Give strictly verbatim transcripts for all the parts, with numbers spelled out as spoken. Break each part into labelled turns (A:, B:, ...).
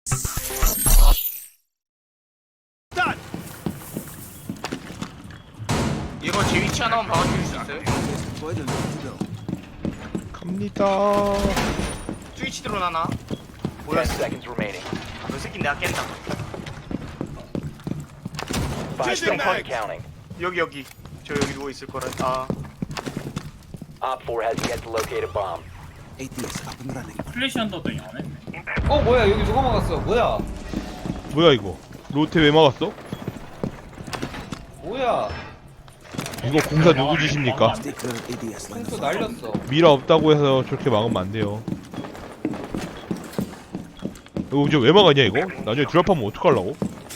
A: 이거 제 위치 하나만 봐줄 수 있어요?
B: 갑니다.
A: 스위치 드론 하나. 뭐야?
C: ten seconds remaining.
A: 너 새끼 내가 깬다.
C: Five seconds and counting.
A: 여기 여기. 저 여기 누워 있을 거라. 아.
C: Op four has yet to locate a bomb.
D: 플래시 한다더니 안 했네.
E: 어 뭐야 여기 누가 막았어? 뭐야?
B: 뭐야 이거? 로테 왜 막았어?
E: 뭐야?
B: 이거 공사 누구 짓입니까?
E: 콩수 날렸어.
B: 미라 없다고 해서 저렇게 막으면 안 돼요. 이거 이제 왜 막았냐 이거? 나중에 드랍하면 어떡하려고?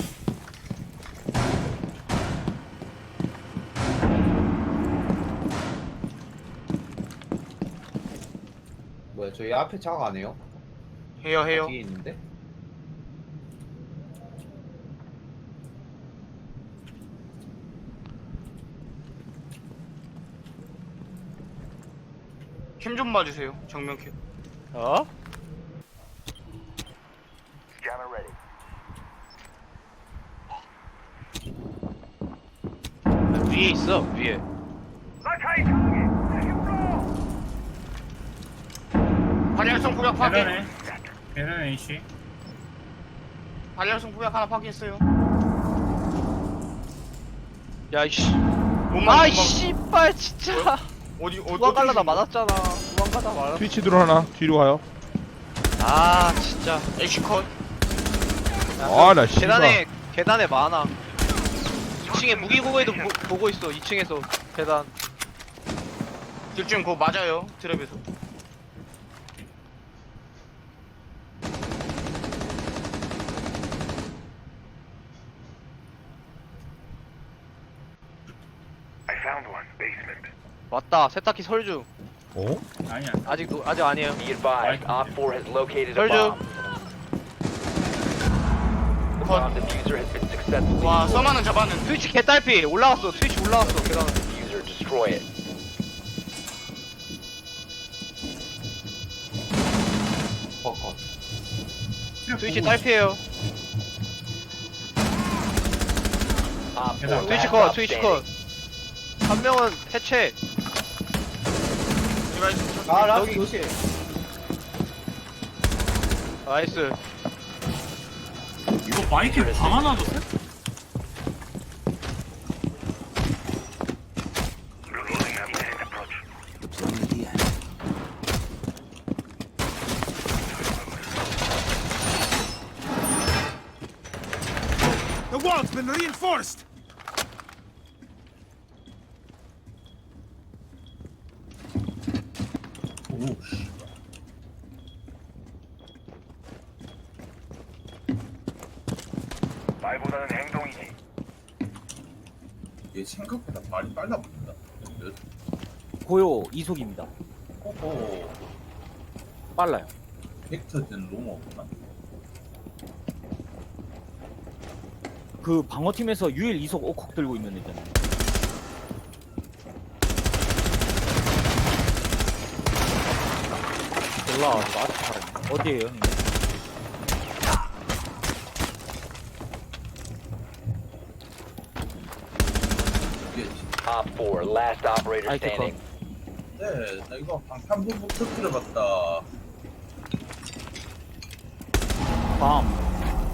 E: 뭐야 저희 앞에 작업 안 해요?
A: 해요 해요.
E: 뒤에 있는데?
A: 캠 좀 봐주세요. 정면 캠.
C: 어?
A: 위에 있어 위에. 발열성 구역 파괴.
D: 계단에 계단 A씨.
A: 발열성 구역 하나 파괴했어요.
F: 야이씨.
A: 몸만
F: 아이
A: 몸만-
F: 씨발 진짜.
A: 어디 어디
F: 도망갈라다
A: 어디
F: 맞았잖아. 도망가다 말았어.
B: 트위치 드론 하나 뒤로 가요.
F: 아 진짜.
A: 애쉬 컷.
B: 아 나 씨발.
F: 계단에 계단에 많아. 이 층에 무기고에도 보, 보고 있어. 이 층에서 계단.
A: 둘중 그거 맞아요. 트랩에서.
F: 왔다. 세탁기 설중.
B: 어?
D: 아니야.
F: 아직 노, 아직 아니에요.
C: Be advised, Op four has located a
F: Soldier.
C: bomb. The bomb diffuser has been successfully
A: 와
C: destroyed.
A: 써마는 잡았는데.
F: 트위치 개딸피 올라갔어. 트위치 올라갔어. 계단.
C: Diffuser, destroy it.
E: 버컷.
F: 트위치 딸피예요.
C: Op four,
D: 계단.
C: last
F: 트위치
C: stop
F: 컷. 트위치 컷.
C: standing.
F: 한 명은 해체.
E: 아 라스
F: 여기.
E: 조심.
F: 나이스.
D: 이거 마이크 방 하나 줬어?
G: The wall's been reinforced!
D: 오 씨.
G: 얘 생각보다 말이 빨라 보인다.
H: 고요 이속입니다.
G: 호호,
H: 빨라요.
G: 벡터든 로머구나.
H: 그 방어팀에서 유일 이속 오콕 들고 있는 애잖아요. 몰라, 나한테 잘하네. 어디에요, 형님?
G: 이게
C: Op four, last operator
H: 아이템
C: standing.
G: 네, 나 이거 방탄복복 터뜨려봤다.
H: 밤.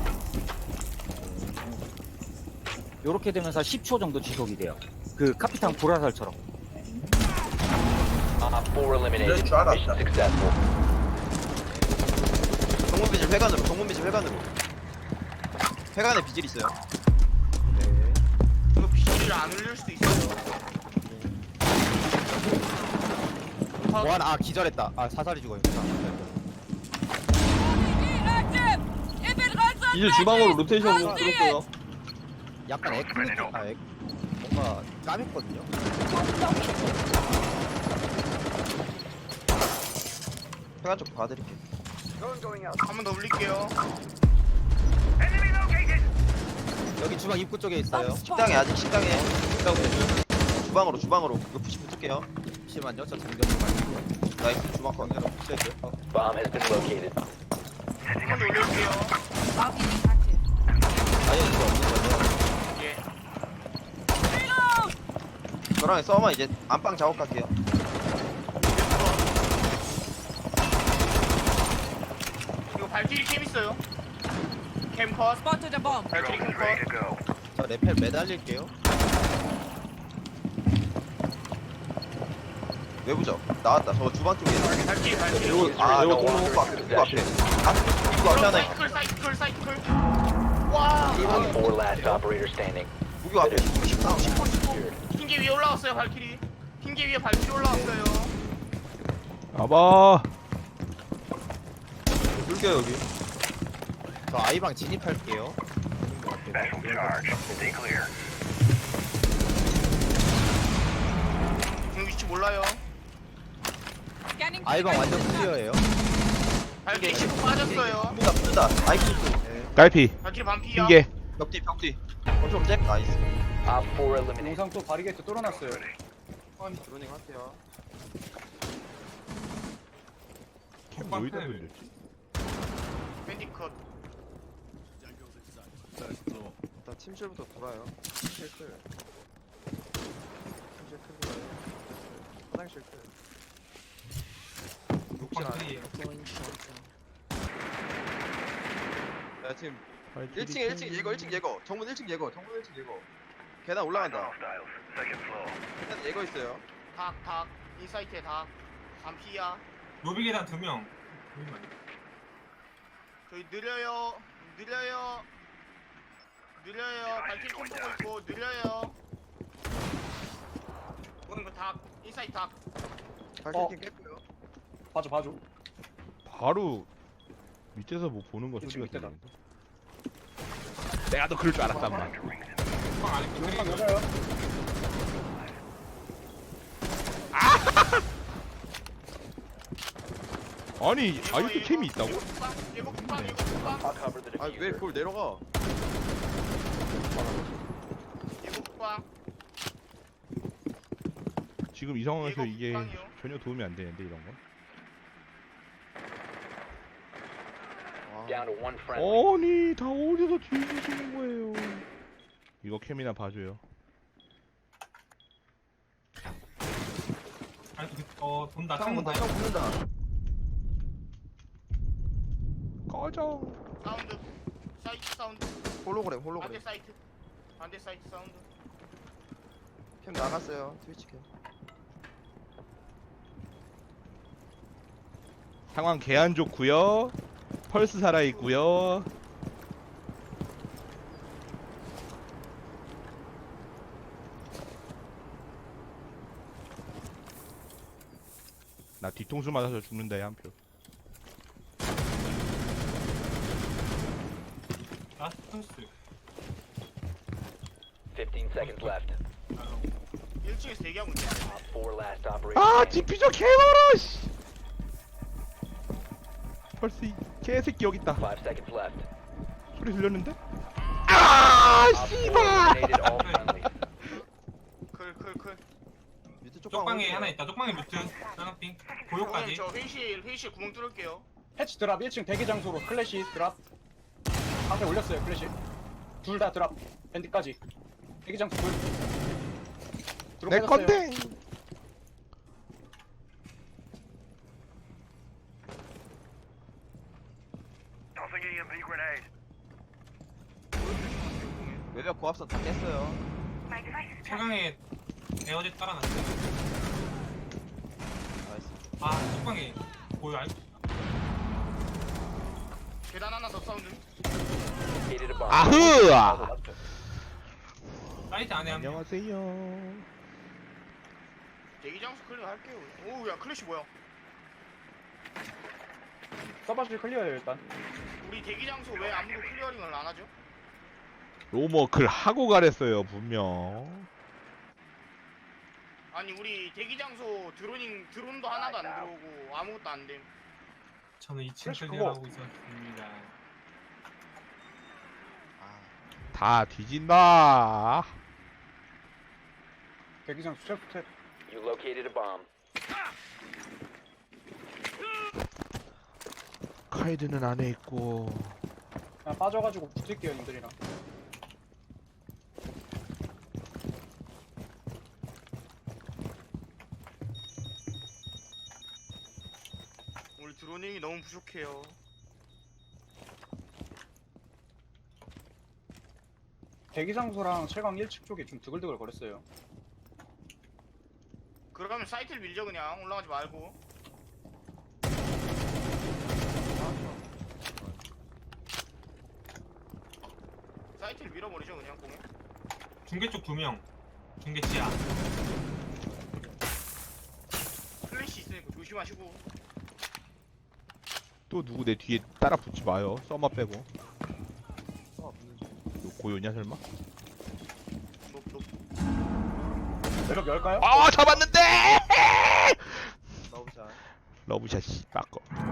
H: 요렇게 되면서 십 초 정도 지속이 돼요. 그 카피탕 보라살처럼.
C: Op four eliminated.
G: 이럴 줄 알았다.
C: Mission successful.
I: 정문 비질 회관으로 정문 비질 회관으로 회관에 비질 있어요.
A: 이거 비질을 안 올릴 수도 있어요.
I: 보안 아 기절했다. 아 사살이 죽어요.
E: 이제 주방으로 로테이션으로 들었어요.
I: 약간 에크 느낌 아 에, 뭔가 까맸거든요. 회관 쪽 봐드릴게요.
A: 한 번 더 올릴게요.
I: 여기 주방 입구 쪽에 있어요. 식당에 아직 식당에 식당 주방으로 주방으로 이거 푸시 붙을게요. 잠시만요. 저 잠겨 좀 갈게요. 나이스 주방 건 내가 푸시해줘요.
C: Bomb has been located.
A: 한 번 더 올릴게요.
I: 아니 이거 없는 거죠?
A: 예.
I: 저랑 싸우면 이제 안방 작업할게요.
A: 이거 발키리 캠 있어요. 캠 컷. 발키리 캠 컷.
I: 저 레펠 매달릴게요. 외부죠? 나왔다. 저거 주방 쪽에 있는.
A: 발키리 발키리.
I: 이거 아 이거 이거 앞에 이거 앞에. 아 이거 앞에 하나 있고.
A: 사이클 사이클 사이클. 와.
C: Op four last operator standing.
I: 무기 앞에. 십삼, 십구, 십구.
A: 흰개 위에 올라왔어요 발키리. 흰개 위에 발키리 올라왔어요.
B: 봐봐.
I: 불게요 여기. 저 아이방 진입할게요.
A: 지금 위치 몰라요.
I: 아이방 완전 클리어예요.
A: 발키리 십구 빠졌어요.
I: 붙는다 붙는다. 아이큐.
B: 깔피.
A: 발키리 반피야.
B: 흰개.
I: 벽뒤 벽뒤. 컨트롤 잭 나이스.
C: Op four eliminated.
E: 영상 또 바리게이트 뚫어놨어요.
I: 드로닝 할게요.
B: 캠 뭐이다 돌렸지?
A: 밴디 컷.
I: 일단 침실부터 돌아요. 침실 클. 침실 클 돌아요. 화장실 클. 욕실 안에. 야 지금 일 층에 일 층 예거 일 층 예거 정문 일 층 예거 정문 일 층 예거 계단 올라간다. 계단 예거 있어요.
A: 닭 닭. 인사이트에 닭. 반피야.
D: 로비 계단 두 명.
A: 저희 느려요. 느려요. 느려요. 발키리 캠 보고 있고 느려요. 보는 거 닭. 인사이트 닭.
I: 발키리 깼고요.
E: 봐줘 봐줘.
B: 바로 밑에서 뭐 보는 거
E: 그치,
B: 소리가
E: 밑에다.
B: 들리는데. 내가 너 그럴 줄 알았단 말.
D: 방 안에
E: 영상 여자요.
B: 아니 아직도 캠이 있다고?
A: 예고 국방 예고 국방.
C: Cover the
I: 아 왜
C: diffuser.
I: 그걸 내려가?
A: 예고 국방.
B: 지금 이 상황에서
A: 이거
B: 이게
A: 국방이요.
B: 전혀 도움이 안 되는데 이런 건?
I: 와.
C: Down to one friendly.
B: 아니 다 어디서 뒤지시는 거예요? 이거 캠이나 봐줘요.
D: 아니 어 돈다
I: 창문
D: 창문
I: 다
D: 다
I: 창문 붙는다.
B: 꺼져.
A: 사운드. 사이트 사운드.
I: 홀로그램
A: 반대
I: 홀로그램.
A: 사이트. 반대 사이트 사운드.
I: 캠 나갔어요. 트위치 캠.
B: 상황 개 안 좋고요. 펄스 살아 있고요. 나 뒤통수 맞아서 죽는다 한 표.
D: 라스토스.
C: fifteen seconds left.
A: 일 층에서 대기하고 있네.
C: Op four last operator
B: 아
C: standing.
B: 디퓨저 개멀어 씨. 펄스 이 개새끼 여기 있다.
C: Five seconds left.
B: 소리 들렸는데? 아
C: Op four eliminated all friendly.
A: 클클클.
I: 밑에 쪽방
D: 쪽방에
I: 어디에요?
D: 하나 있다. 쪽방에 뮤트. 쌍핑.
A: 형님
D: 고요까지.
A: 저 회의실 회의실 구멍 뚫을게요.
E: 패치 드랍 일 층 대기 장소로 클래시 드랍. 앞에 올렸어요 클래시. 둘 다 드랍. 밴드까지. 대기 장소 둘. 드롭
B: 내
E: 해줬어요.
B: 건데.
I: 외벽 고압선 다 깼어요.
D: 차강에 에어젯 깔아놨어요.
I: 나이스.
D: 아 쪽방에 고요 알.
A: 계단 하나 더 사운드.
C: Located a bomb.
B: 아흐.
D: 사이트 안에 한 명.
B: 안녕하세요.
A: 대기 장소 클리어 할게요. 오야 클래시 뭐야?
E: 서버실 클리어예요 일단.
A: 우리 대기 장소 왜 아무도 클리어링을 안 하죠?
B: 로머클 하고 가랬어요 분명.
A: 아니 우리 대기 장소 드로닝 드론도 하나도 안 들어오고 아무것도 안 됨.
D: 저는 이 층
E: 그래서
D: 클리어하고 있었습니다.
I: 아,
B: 다 뒤진다.
E: 대기 장소 셀프 탭.
C: You located a bomb.
B: 카이드는 안에 있고.
E: 그냥 빠져가지고 붙을게요 님들이랑.
A: 우리 드로닝이 너무 부족해요.
E: 대기 장소랑 채광 일 층 쪽에 좀 드글드글 거렸어요.
A: 그러면 사이트를 밀죠 그냥 올라가지 말고. 사이트를 밀어버리죠 그냥 공에.
D: 중계 쪽 두 명. 중계 지하.
A: 플래시 있으니까 조심하시고.
B: 또 누구 내 뒤에 따라 붙지 마요. 써마 빼고. 너 고요냐 설마?
A: 높, 높.
E: 매력 열까요?
B: 아 잡았는데!
I: 나오자.
B: 러브샷 씨 바꿔.